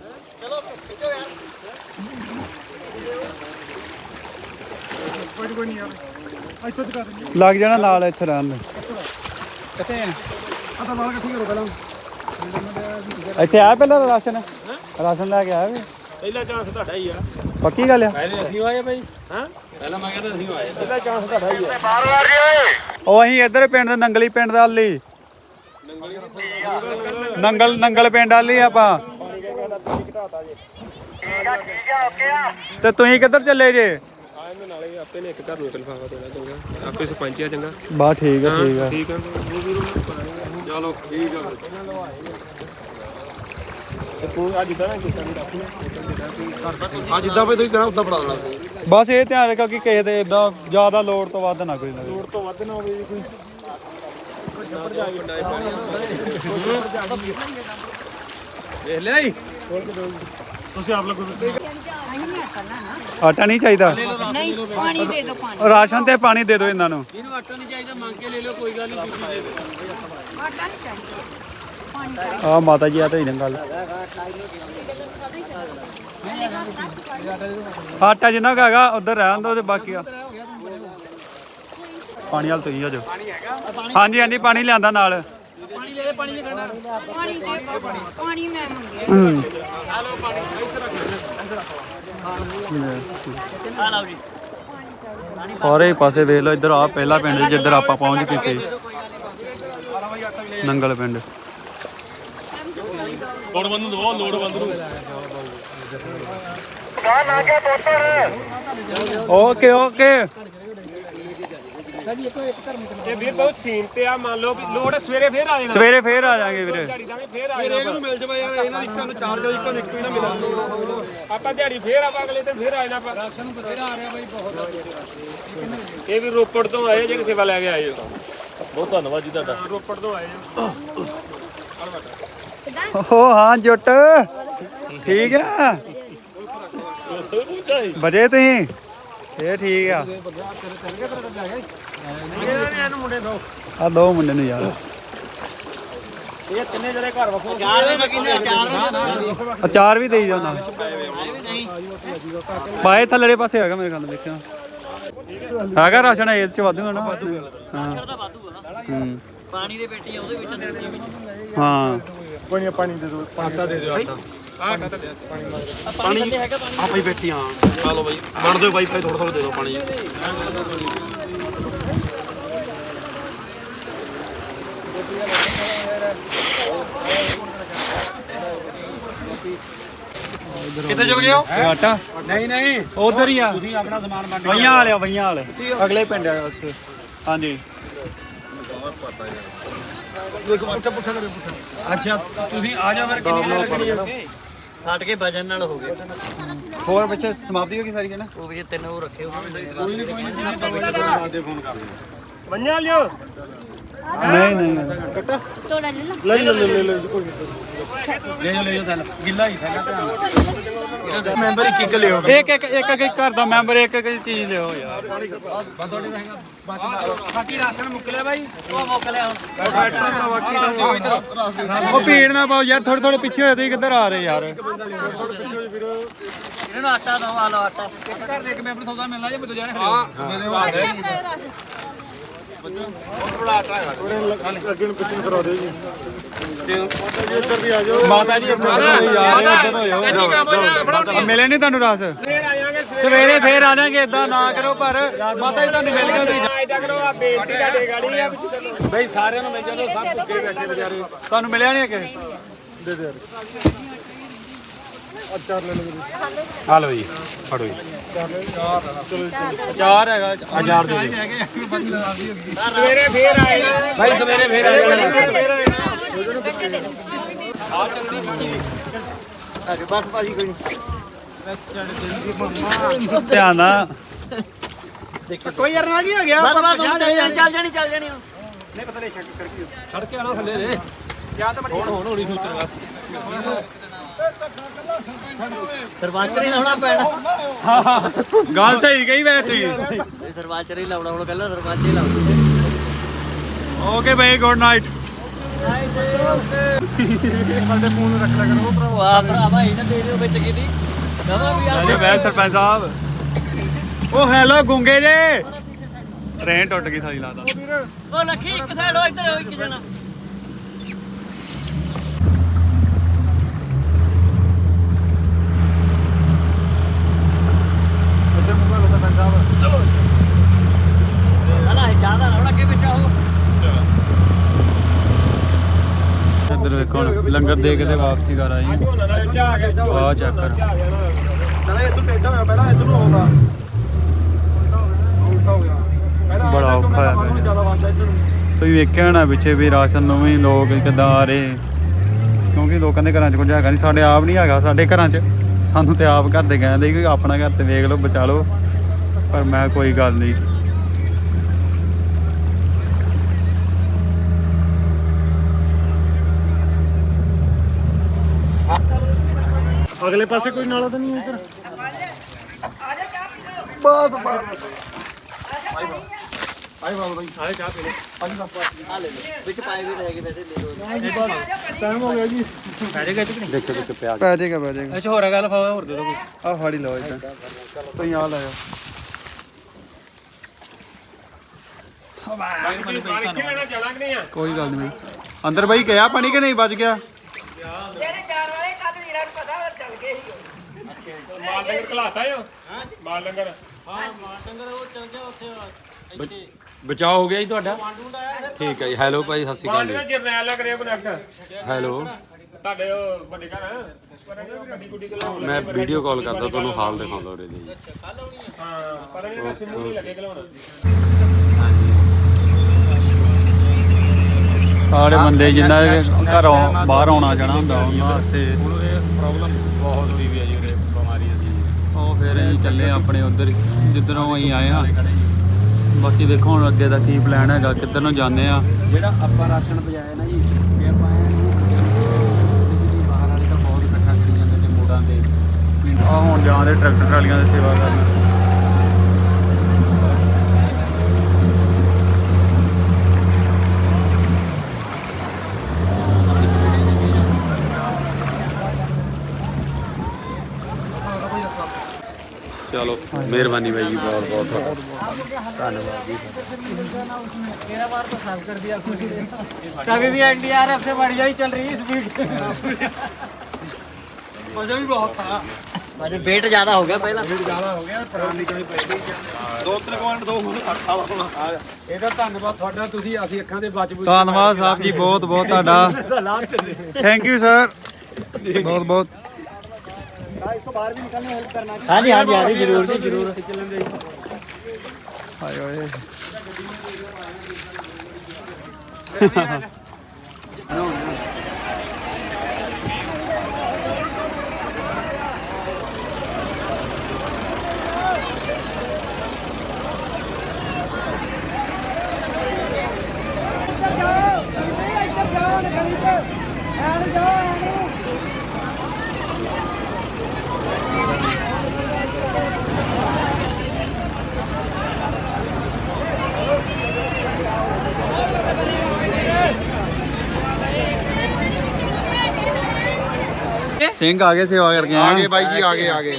[SPEAKER 1] ਲੱਗ ਜਾਣਾ ਨਾਲ ਇੱਥੇ ਰਹਿਣ ਦੇ
[SPEAKER 6] कहते हैं आता बाल का ठीक करो पहले
[SPEAKER 1] ਇੱਥੇ ਆਇਆ ਪਹਿਲਾਂ ਰਾਸ਼ਨ ਲੈ ਕੇ ਆਇਆ ਵੀ
[SPEAKER 3] ਪਹਿਲਾ ਚਾਂਸ ਤੁਹਾਡਾ ਹੀ ਆ
[SPEAKER 1] ਪੱਕੀ ਗੱਲ ਆ
[SPEAKER 5] ਪਹਿਲੇ ਅਸੀਂ ਆਏ ਬਾਈ ਹਾਂ ਪਹਿਲਾਂ ਮੈਂ ਕਹਿੰਦਾ ਅਸੀਂ ਆਏ
[SPEAKER 3] ਪਹਿਲਾ ਚਾਂਸ ਤੁਹਾਡਾ ਹੀ ਆ
[SPEAKER 1] ਉਹ ਅਸੀਂ ਇੱਧਰ ਪਿੰਡ ਦੇ ਨੰਗਲੀ ਪਿੰਡ ਦਾ ਲਈ ਨੰਗਲ ਪਿੰਡ ਵਾਲੀ ਆਪਾਂ ਤੇ ਤੁਸੀਂ ਕਿੱਧਰ ਚੱਲੇ ਜੇ
[SPEAKER 3] ਆਏ ਨਾਲੇ ਆਪੇ ਨੇ ਇੱਕ ਘਰ ਨੂੰ ਲਿਫਾਫਾ ਦੇਣਾ ਚੰਗਾ ਆਪੇ ਸਰਪੰਚ ਆ ਚੰਗਾ
[SPEAKER 1] ਬਾ ਠੀਕ ਆ
[SPEAKER 3] ਠੀਕ ਆ ਚਲੋ ਠੀਕ ਆ ਤੇ ਤੂੰ ਅੱਜ ਦਾ ਨਾ ਕੀਤਾ ਨਹੀਂ ਰੱਖ
[SPEAKER 4] ਅੱਜ ਜਿੱਦਾਂ ਵੀ ਤੁਸੀਂ ਕਹਿਣਾ ਉਦਾਂ ਫੜਾ ਦੇਣਾ ਸੀ
[SPEAKER 1] ਬਸ ਇਹ ਧਿਆਨ ਰੱਖੋ ਕਿ ਕਿਸੇ ਦੇ ਇਦਾਂ ਜ਼ਿਆਦਾ ਲੋੜ ਤੋਂ ਵੱਧ ਨਾ ਕੋਈ ਨਾ
[SPEAKER 3] ਲੋੜ ਤੋਂ ਵੱਧ ਨਾ ਹੋਵੇ ਜੀ ਕੋਈ
[SPEAKER 5] ਵੇਖ ਲਿਆ ਜੀ
[SPEAKER 3] ਤੁਸੀਂ ਆਪ ਲੋਗੋ
[SPEAKER 1] ਆਟਾ ਨਹੀਂ ਚਾਹੀਦਾ
[SPEAKER 7] ਨਹੀਂ ਪਾਣੀ ਦੇ ਦਿਓ ਪਾਣੀ
[SPEAKER 1] ਰਾਸ਼ਨ ਤੇ ਪਾਣੀ ਦੇ ਦਿਓ ਇਹਨਾਂ ਨੂੰ
[SPEAKER 5] ਇਹਨੂੰ ਆਟਾ ਨਹੀਂ ਚਾਹੀਦਾ ਮੰਗ ਕੇ ਲੈ ਲਿਓ ਕੋਈ ਗੱਲ ਨਹੀਂ ਤੁਸੀਂ ਦੇ ਦਿਓ
[SPEAKER 7] ਆਟਾ ਨਹੀਂ ਚਾਹੀਦਾ ਪਾਣੀ ਚਾਹੀਦਾ
[SPEAKER 1] ਆ ਮਾਤਾ ਜੀ ਆ ਤਾਂ ਹੀ ਨਾ ਗੱਲ ਆਟਾ ਜਿੰਨਾ ਕੁ ਹੈਗਾ ਉਧਰ ਰਹਿਣ ਦੋ ਤੇ ਬਾਕੀ ਆ ਪਾਣੀ ਵਾਲ ਤੁਸੀਂ ਆ ਜਾਓ ਹਾਂਜੀ ਪਾਣੀ ਲਿਆਂਦਾ ਨਾਲ
[SPEAKER 7] ਪਾਣੀ ਦੇ ਪਾਣੀ ਮੈਂ ਮੰਗਿਆ
[SPEAKER 2] ਆ ਲਓ ਜੀ
[SPEAKER 1] ਸਾਰੇ ਪਾਸੇ ਵੇਖ ਲਓ ਇੱਧਰ ਆ ਪਹਿਲਾ ਪਿੰਡ ਜਿੱਧਰ ਆਪਾਂ ਪਹੁੰਚ ਚੁੱਕੇ ਨੰਗਲ ਪਿੰਡ
[SPEAKER 5] ਲੋੜ ਬੰਦ ਨੂੰ
[SPEAKER 1] ਓਕੇ ਓਕੇ
[SPEAKER 3] ਇਹ ਵੀਰ ਬਹੁਤ ਸੀਨ ਤੇ ਆ ਮੰਨ ਲਓ ਵੀ ਲੋੜ ਸਵੇਰੇ ਫੇਰ ਆ ਜਾਣਾ
[SPEAKER 1] ਸਵੇਰੇ ਫੇਰ ਆ ਜਾਾਂਗੇ ਵੀਰੇ
[SPEAKER 3] ਦਿਹਾੜੀ ਦਾਂਗੇ ਫੇਰ ਆ ਜਾਣਾ
[SPEAKER 1] ਮਿਲ ਜਾਵੇ ਯਾਰ ਇਹਨਾਂ ਦੀ ਇੱਕਾਂ ਨੂੰ ਚਾਰ ਜੋ ਇੱਕਾਂ ਨੂੰ ਇੱਕ ਵੀ ਨਾ ਮਿਲੇ
[SPEAKER 3] ਆਪਾਂ ਦਿਹਾੜੀ ਫੇਰ ਆਪਾਂ ਅਗਲੇ ਦਿਨ ਫੇਰ ਆ ਜਾਣਾ ਆਪਾਂ ਰਾਸ਼ਨ ਨੂੰ ਫੇਰ ਆ ਰਿਹਾ ਬਾਈ ਬਹੁਤ ਇਹ ਵੀ ਰੋਪੜ ਤੋਂ ਆਏ ਜਿਹੜੀ ਸੇਵਾ ਲੈ ਕੇ ਆਏ ਹੋ ਬਹੁਤ ਧੰਨਵਾਦ ਜੀ ਤੁਹਾਡਾ ਰੋਪੜ ਤੋਂ ਆਏ ਹੋ
[SPEAKER 1] ਓ ਹਾਂ ਜੁੱਟ ਠੀਕ ਆ ਬਜੇ ਤੁਸੀਂ ਇਹ ਠੀਕ ਆ ਆ ਦੋ ਮੁੰਡੇ ਨੂੰ ਯਾਰ
[SPEAKER 3] ਇਹ ਤਿੰਨੇ ਜਿਹੜੇ ਘਰ ਵਖੋ
[SPEAKER 1] ਅਚਾਰ ਵੀ ਦੇਈ ਜਾਂਦਾ ਬਾਏ ਥੱਲੜੇ ਪਾਸੇ ਹੈਗਾ ਮੇਰੇ ਖਿਆਲ ਦੇਖਿਆ ਹੈਗਾ ਰਾਸ਼ਨ ਇਹ ਚ ਵਾਧੂਗਾ ਨਾ ਹਾਂ
[SPEAKER 2] ਪਾਣੀ ਦੀ ਪੇਟੀ ਆ ਉਹਦੇ ਵਿੱਚ ਦਿੱਤੀ ਵੀ
[SPEAKER 1] ਹਾਂ
[SPEAKER 4] ਪਾਣੀ ਦੇ ਦਿਓ ਆਟਾ ਦੇ ਦਿਓ ਆਟਾ
[SPEAKER 2] ਪਾਣੀ ਹੈਗਾ
[SPEAKER 5] ਆ ਭਾਈ ਬੈਠੀ ਹਾਂ ਆ ਲਓ ਬਾਈ ਵੰਡ ਦਿਓ ਬਾਈ ਥੋੜਾ ਥੋੜਾ ਦੇ ਦਿਓ ਪਾਣੀ
[SPEAKER 1] ਕਿੱਥੇ ਚਲ ਗਏ ਹੋ ਆਟਾ
[SPEAKER 3] ਨਹੀਂ
[SPEAKER 1] ਉਧਰ ਹੀ ਆ
[SPEAKER 3] ਤੁਸੀਂ ਆਪਣਾ ਸਮਾਨ ਵੰਡ
[SPEAKER 1] ਵਈਆਂ ਵਾਲੇ ਅਗਲੇ ਪਿੰਡ ਆ ਉੱਥੇ ਹਾਂਜੀ
[SPEAKER 3] ਅੱਛਾ ਤੁਸੀਂ ਆ ਜਾਓ ਫਿਰ ਕਿੰਨੀ ਲੱਗਣੀ ਆ
[SPEAKER 2] ਛੱਡ ਕੇ ਵਜਨ ਨਾਲ ਹੋ ਗਏ
[SPEAKER 1] ਹੋਰ ਪਿੱਛੇ ਸਮਾਪਤੀ ਹੋ ਗਈ ਸਾਰੀ ਹੈ ਨਾ
[SPEAKER 2] ਉਹ ਵੀ ਤਿੰਨ ਉਹ ਰੱਖੇ ਹੋਏ
[SPEAKER 3] ਮੰਨਿਆ ਲਿਓ
[SPEAKER 1] ਨਹੀਂ
[SPEAKER 7] ਤੋੜਾ ਲੈ ਲਾ
[SPEAKER 3] ਲੈ ਜਾਓ ਗਿੱਲਾ ਹੀ ਥੈਲਾ ਮੈਂਬਰ ਇੱਕ ਇੱਕ ਲਿਓ
[SPEAKER 1] ਇੱਕ ਘਰ ਦਾ ਮੈਂਬਰ ਇੱਕ ਚੀਜ਼ ਲਿਓ ਯਾਰ
[SPEAKER 3] ਬਾਕੀ ਰਾਸ਼ਨ ਮੁੱਕ ਲਿਆ ਬਾਈ
[SPEAKER 2] ਉਹ ਮੁੱਕ ਲਿਆ ਹੁਣ
[SPEAKER 1] ਉਹ ਭੀੜ ਨਾ ਪਾਓ ਯਾਰ ਥੋੜੇ ਪਿੱਛੇ ਹੋਏ ਤੁਸੀਂ ਕਿੱਧਰ ਆ ਰਹੇ ਯਾਰ
[SPEAKER 2] ਇਹਨਾਂ ਨੂੰ ਆਟਾ ਦੋ ਆ ਲਓ ਆਟਾ
[SPEAKER 1] ਘਰ ਦੇ ਇੱਕ ਮੈਂਬਰ ਸੌਦਾ ਮਿਲਣਾ ਜੇ ਮੈਨੂੰ ਜਾਣੇ
[SPEAKER 4] ਮੇਰੇ ਵਾਲੇ ਅੱਗੇ ਨੂੰ ਪਿੱਛੇ ਕਰਾ ਦਿਓ ਜੀ ਇੱਧਰ ਵੀ ਆ ਜਾਓ
[SPEAKER 1] ਮਾਤਾ ਜੀ ਯਾਰ ਇੱਧਰ ਹੋਇਓ ਮਿਲੇ ਨਹੀਂ ਤੁਹਾਨੂੰ ਰਸ
[SPEAKER 3] ਫੇਰ ਆ ਜਾਾਂਗੇ
[SPEAKER 1] ਸਵੇਰੇ ਫੇਰ ਆ ਜਾਾਂਗੇ ਇਦਾਂ ਨਾ ਕਰੋ ਪਰ ਮਾਤਾ ਜੀ ਤੁਹਾਨੂੰ ਮਿਲ ਗਏ ਤੁਸੀਂ
[SPEAKER 3] ਐਡਾ ਕਰੋ ਆ ਬੇਇੱਜ਼ਤੀ ਤੁਹਾਡੇ ਗਾੜੀ ਆ ਬਈ ਸਾਰਿਆਂ ਨੂੰ ਮਿਲ ਜਾਓ ਸਭ ਭੁੱਖੇ ਬੈਠੇ ਵਿਚਾਰੇ
[SPEAKER 1] ਤੁਹਾਨੂੰ ਮਿਲਿਆ ਨਹੀਂ ਅੱਗੇ
[SPEAKER 3] ਆ ਲਓ ਜੀ ਫੜੋ ਜੀ
[SPEAKER 1] ਅਚਾਰ ਹੈਗਾ
[SPEAKER 3] ਹਜ਼ਾਰ ਦੇ ਸਵੇਰੇ ਫੇਰ ਆਏ ਭਾਈ ਸਵੇਰੇ ਫੇਰ ਆਏ
[SPEAKER 2] ਬਸ ਭਾਜੀ ਕੋਈ
[SPEAKER 1] ਧਿਆਨ ਨਾਲ
[SPEAKER 6] कोई यार ना हो गया
[SPEAKER 2] ਬਸ ਚੱਲ ਜਾਣੀ
[SPEAKER 3] ਸੜਕੇ ਆਣਾ ਥੱਲੇ ਦੇ ਹੁਣ ਹੋਣੀ ਸੂਚਨਾ
[SPEAKER 2] ਸਰਵਾਚਰ ਹੀ ਲਾਉਣਾ ਪੈਣਾ
[SPEAKER 1] ਗੱਲ ਸਹੀ ਕਹੀ ਵੈਸੇ
[SPEAKER 2] ਸਰਵਾਚਰ ਹੀ ਲਾਉਣਾ ਹੁਣ ਪਹਿਲਾਂ ਸਰਵਾਚਰ ਹੀ ਲਾਉਣਾ
[SPEAKER 1] ਓਕੇ ਬਾਈ ਗੁੱਡ ਨਾਈਟ
[SPEAKER 2] ਵਾਹ ਭਰਾਵਾ ਇਹਨਾਂ ਦੇ ਦਿਓ ਵਿੱਚ ਕਿਦੀ ਕਹਾਂ ਵੀ
[SPEAKER 1] ਹਾਂਜੀ ਮੈਂ ਸਰਪੰਚ ਸਾਹਿਬ ਉਹ ਹੈਲੋ ਗੁੰਗੇ ਜੇ ਟ੍ਰੇਨ ਟੁੱਟ ਗਈ ਸਾਰੀ ਲੱਗਦਾ
[SPEAKER 2] ਉਹ ਲੱਖੀ ਇੱਕ ਸਾਈਡ ਹੋ ਇੱਧਰ ਇੱਕ ਜਣਾ
[SPEAKER 1] ਇੱਧਰ ਮੁੰਗਾ ਲੋ ਸਰਪੰਚ ਸਾਹਿਬ
[SPEAKER 2] ਨਾ ਜਿਆਦਾ ਨਾ ਅੱਗੇ ਵਿੱਚ ਆਓ
[SPEAKER 1] ਇੱਧਰ ਵੇਖੋ ਹੁਣ ਲੰਗਰ ਦੇ ਕੇ ਤੇ ਵਾਪਸੀ ਕਰ ਆਈ
[SPEAKER 3] ਝੋਨਾ ਨਾਲ ਝਾ ਗਿਆ
[SPEAKER 1] ਆ ਚੈੱਕ ਕਰ
[SPEAKER 3] ਨਾਲੇ ਇੱਧਰ ਟੇਡਾ ਹੋਇਆ ਪਹਿਲਾਂ ਇੱਧਰ ਨੂੰ ਆਉਂਦਾ
[SPEAKER 1] ਬੜਾ ਔਖਾ ਹੈ ਤੁਸੀਂ ਵੇਖਿਆ ਹੋਣਾ ਪਿੱਛੇ ਵੀ ਰਾਸ਼ਨ ਨੂੰ ਵੀ ਲੋਕ ਕਿੱਦਾਂ ਆ ਰਹੇ ਕਿਉਂਕਿ ਲੋਕਾਂ ਦੇ ਘਰਾਂ 'ਚ ਕੁਝ ਹੈਗਾ ਨਹੀਂ ਸਾਡੇ ਆਪ ਨਹੀਂ ਹੈਗਾ ਸਾਡੇ ਘਰਾਂ 'ਚ ਸਾਨੂੰ ਤੇ ਆਪ ਘਰ ਦੇ ਕਹਿੰਦੇ ਕਿ ਆਪਣਾ ਘਰ ਤੇ ਵੇਖ ਲਓ ਬਚਾ ਲਓ ਪਰ ਮੈਂ ਕੋਈ ਗੱਲ ਨਹੀਂ
[SPEAKER 6] अगले पासे कोई नाला तो नहीं है इधर
[SPEAKER 2] ਵਿੱਚ ਪਾਏ ਵੀ ਰਹੇਗੇ ਵੈਸੇ ਲੈ ਲਓ
[SPEAKER 6] टाइम हो गया जी
[SPEAKER 1] ਪੈ ਜਾਏਗਾ
[SPEAKER 3] ਅੱਛਾ ਹੋਰ ਗੱਲ ਹੋਰ ਦੇ ਦੋ ਕੋਈ
[SPEAKER 1] ਆ ਫਾੜੀ ਲਓ ਇਦਾਂ ਤੁਸੀਂ ਆ ਲਾਇਓ
[SPEAKER 3] ਇੱਥੇ ਲੈਣਾ ਚਲਾਂਗੇ ਨਹੀਂ ਆ
[SPEAKER 1] ਕੋਈ ਗੱਲ ਨਹੀਂ ਅੰਦਰ ਬਾਈ ਗਿਆ ਪਾਣੀ ਕਿ ਨਹੀਂ ਬਚ ਗਿਆ
[SPEAKER 7] ਜਿਹੜੇ ਜਾਣ ਵਾਲੇ ਕੱਲ ਵੀਰਾਂ ਨੂੰ ਪਤਾ ਹੋਰ ਚੱਲ ਗਏ ਸੀ
[SPEAKER 3] ਮਾਲ ਡੰਗਰ ਘਲਾਤਾ ਓ ਮਾਲ ਡੰਗਰ
[SPEAKER 5] ਬਚਾਅ ਹੋ ਗਿਆ ਜੀ ਤੁਹਾਡਾ ਠੀਕ ਹੈ ਜੀ ਹੈਲੋ ਭਾਈ ਸਤਿ ਸ਼੍ਰੀ ਅਕਾਲ
[SPEAKER 3] ਮਾਲ
[SPEAKER 5] ਜੀ
[SPEAKER 3] ਜਰਨੈਲ ਲੱਗ ਰਿਹਾ ਕਨੈਕਟ
[SPEAKER 5] ਹੈਲੋ
[SPEAKER 3] ਤੁਹਾਡੇ ਉਹ ਵੱਡੇ ਘਰ ਗੱਡੀ ਗੁੱਡੀ ਕੋਲ
[SPEAKER 1] ਮੈਂ ਵੀਡੀਓ ਕਾਲ ਕਰਦਾ ਤੁਹਾਨੂੰ ਹਾਲ ਦਿਖਾਉਂਦਾ ਉਰੇ ਦੀ
[SPEAKER 3] ਹਾਂ ਪਰ ਇਹਦਾ ਸਿੰਮੂ ਨਹੀਂ ਲੱਗੇ ਘਲਾਉਣ
[SPEAKER 1] ਸਾਰੇ ਬੰਦੇ ਜਿੰਨਾ ਘਰੋਂ ਬਾਹਰ ਆਉਣਾ ਜਾਣਾ ਹੁੰਦਾ ਉਹਨਾਂ ਵਾਸਤੇ
[SPEAKER 5] ਪ੍ਰੋਬਲਮ ਬਹੁਤ ਹੋਈ ਵੀ ਆ ਜੀ ਉਰੇ ਬਿਮਾਰੀਆਂ ਦੀ
[SPEAKER 1] ਉਹ ਫਿਰ ਅਸੀਂ ਚੱਲੇ ਆਪਣੇ ਉਧਰ ਜਿੱਧਰੋਂ ਅਸੀਂ ਆਏ ਹਾਂ ਬਾਕੀ ਦੇਖੋ ਹੁਣ ਅੱਗੇ ਦਾ ਕੀ ਪਲਾਨ ਹੈਗਾ ਕਿੱਧਰ ਨੂੰ ਜਾਂਦੇ ਆ
[SPEAKER 2] ਜਿਹੜਾ ਆਪਾਂ ਰਾਸ਼ਨ ਪਜਾਇਆ ਨਾ ਜੀ ਇਹ ਆਪਾਂ ਬਾਹਰ ਵਾਲੇ ਤਾਂ ਬਹੁਤ ਇਕੱਠਾ ਕਰੀ ਜਾਂਦੇ ਤੇ ਮੋੜਾਂ ਤੇ
[SPEAKER 1] ਆ ਹੁਣ ਜਾਂਦੇ ਟਰੈਕਟਰ ਟਰਾਲੀਆਂ ਦੀ ਸੇਵਾ ਕਰਨ ਚਲੋ ਮਿਹਰਬਾਨੀ ਬਾਈ ਜੀ ਬਹੁਤ ਬਹੁਤ ਧੰਨਵਾਦ ਜੀ
[SPEAKER 6] मेरा बार तो साफ कर दिया कभी भी एनडीआरएफ से बढ़िया ही चल रही है स्पीड मजा भी बहुत था
[SPEAKER 2] वेट ज्यादा हो गया पहला
[SPEAKER 5] ਇਹਦਾ ਧੰਨਵਾਦ ਤੁਹਾਡਾ ਤੁਸੀਂ ਅਸੀਂ ਅੱਖਾਂ ਦੇ ਬਚ ਬੁੱਝ
[SPEAKER 1] ਧੰਨਵਾਦ ਸਾਹਿਬ ਜੀ ਬਹੁਤ ਬਹੁਤ ਤੁਹਾਡਾ ਥੈਂਕ ਯੂ ਸਰ ਬਹੁਤ ਬਹੁਤ
[SPEAKER 6] इसको बाहर भी निकलने हेल्प करना
[SPEAKER 2] हाँ जी हाँ जी जरूर जी जरूर
[SPEAKER 1] ਹਾਏ ਓਏ ਸਿੰਘ ਆ ਗਏ ਸੇਵਾ ਕਰਕੇ
[SPEAKER 4] ਆ ਗਏ ਬਾਈ ਜੀ ਆ ਗਏ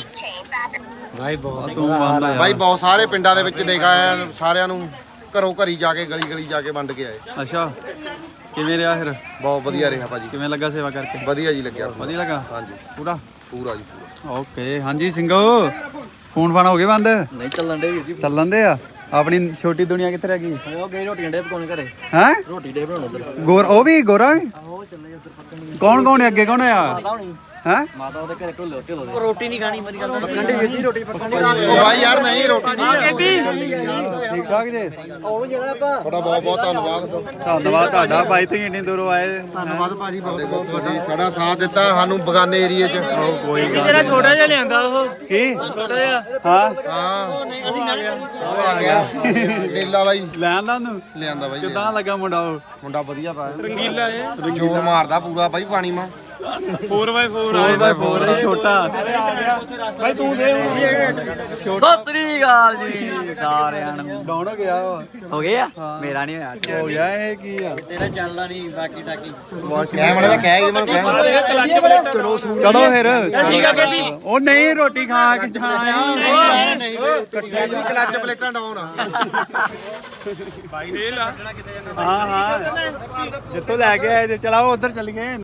[SPEAKER 1] ਤੂੰ ਬੰਦ ਆ
[SPEAKER 4] ਬਾਈ ਬਹੁਤ ਸਾਰੇ ਪਿੰਡਾਂ ਦੇ ਵਿੱਚ ਦੇਖ ਆਇਆ ਸਾਰਿਆਂ ਨੂੰ ਘਰੋਂ ਘਰੀ ਜਾ ਕੇ ਗਲੀ ਗਲੀ ਜਾ ਕੇ ਵੰਡ ਕੇ ਆਏ
[SPEAKER 1] ਅੱਛਾ ਕਿਵੇਂ ਰਿਹਾ ਫਿਰ
[SPEAKER 4] ਬਹੁਤ ਵਧੀਆ ਰਿਹਾ ਭਾਜੀ
[SPEAKER 1] ਕਿਵੇਂ ਲੱਗਾ ਸੇਵਾ ਕਰਕੇ
[SPEAKER 4] ਵਧੀਆ ਜੀ ਲੱਗਿਆ
[SPEAKER 1] ਵਧੀਆ ਲੱਗਾ
[SPEAKER 4] ਹਾਂਜੀ
[SPEAKER 1] ਪੂਰਾ
[SPEAKER 4] ਪੂਰਾ ਜੀ ਪੂਰਾ
[SPEAKER 1] ਓਕੇ ਹਾਂਜੀ ਸਿੰਘੋ ਫੋਨ ਫਾਨ ਹੋ ਗਏ ਬੰਦ
[SPEAKER 2] नहीं चलन दे वीर जी
[SPEAKER 1] ਚੱਲਣ ਦੇ ਆ ਆਪਣੀ ਛੋਟੀ ਦੁਨੀਆ ਕਿੱਥੇ ਰਹਿ ਗਈ
[SPEAKER 2] वो गई रोटियां डे पकाने घरे
[SPEAKER 1] ਹੈ
[SPEAKER 2] रोटी डे बनाना उधर
[SPEAKER 1] ਗੋਰ ਉਹ ਵੀ ਗੋਰਾ ਵੀ ਕੌਣ ਕੌਣ ਹੈ ਅੱਗੇ ਕੌਣ ਆ ਹੈ
[SPEAKER 2] माता ਉਹਦੇ ਘਰੇ ਢੋਲੇ ਢੋਲੇ ਰੋਟੀ ਨਹੀਂ ਖਾਣੀ ਮੇਰੀ ਗੱਲ ਪੱਕਣੀ ਵੀਰ ਜੀ ਰੋਟੀ ਪੱਕਣੀ
[SPEAKER 4] ਉਹ ਬਾਈ ਯਾਰ ਨਹੀਂ ਰੋਟੀ ਨਹੀਂ
[SPEAKER 1] ਠੀਕ ਠਾਕ ਜੀ
[SPEAKER 6] ਉਹ ਜਿਹੜਾ ਆਪਾਂ
[SPEAKER 4] ਤੁਹਾਡਾ ਬਹੁਤ ਬਹੁਤ ਧੰਨਵਾਦ
[SPEAKER 1] ਧੰਨਵਾਦ ਤੁਹਾਡਾ ਭਾਈ ਤੁਸੀਂ ਇੰਨੀ ਦੂਰੋਂ ਆਏ
[SPEAKER 4] ਧੰਨਵਾਦ ਭਾਜੀ ਬਹੁਤ ਬਹੁਤ ਤੁਹਾਡੀ ਸਾਡਾ ਸਾਥ ਦਿੱਤਾ ਸਾਨੂੰ ਬਗਾਨੇ ਏਰੀਏ 'ਚ
[SPEAKER 1] ਕੋਈ ਗੱਲ ਜਿਹੜਾ ਛੋਟਾ ਜਿਹਾ ਲਿਆਂਦਾ ਉਹ ਕੀ ਛੋਟਾ ਜਿਹਾ ਹਾਂ
[SPEAKER 4] ਹਾਂ ਉਹ ਆ ਗਿਆ ਨੀਲਾ ਬਾਈ
[SPEAKER 1] ਲੈਣ ਦਾ ਉਹਨੂੰ
[SPEAKER 4] ਲਿਆਂਦਾ ਬਾਈ
[SPEAKER 1] ਕਿੱਦਾਂ ਲੱਗਾ ਮੁੰਡਾ ਉਹ
[SPEAKER 4] ਮੁੰਡਾ ਵਧੀਆ ਤਾਂ ਰੰਗੀਲਾ ਹੈ ਜੋਰ ਮਾਰਦਾ ਪੂਰਾ ਬਾਈ ਪਾਣੀ ਮਾ
[SPEAKER 1] 4x4 ਹੈ ਛੋਟਾ
[SPEAKER 3] ਭਾਈ ਤੂੰ ਦੇ
[SPEAKER 2] ਸਤਿ ਸ੍ਰੀ ਅਕਾਲ ਜੀ ਸਾਰਿਆਂ ਨੂੰ
[SPEAKER 1] ਡਾਉਣ ਹੋ ਗਿਆ ਉਹ
[SPEAKER 2] ਹੋ ਗਿਆ ਮੇਰਾ ਨਹੀਂ ਹੋਇਆ
[SPEAKER 1] ਹੋ ਗਿਆ ਇਹ ਕੀ ਆ
[SPEAKER 2] ਤੇਰਾ ਚੱਲਦਾ ਨਹੀਂ ਬਾਕੀ ਟਾਕੀ
[SPEAKER 4] ਕਹਿ ਮੜਾ ਕਹਿ ਜੀ ਮੈਨੂੰ ਕਹਿ
[SPEAKER 1] ਚਲੋ ਫਿਰ ਠੀਕ ਆ ਉਹ ਨਹੀਂ ਰੋਟੀ ਖਾ ਕੇ ਜਾਣਾ
[SPEAKER 4] ਨਹੀਂ ਕੱਟੀ ਕਲੱਚ ਪਲੇਟਾਂ ਡਾਉਣ
[SPEAKER 1] ਹਾਂ ਜਿੱਥੋਂ ਲੈ ਕੇ ਆਏ ਤੇ ਚਲਾਓ ਉਧਰ ਚੱਲ ਗਏ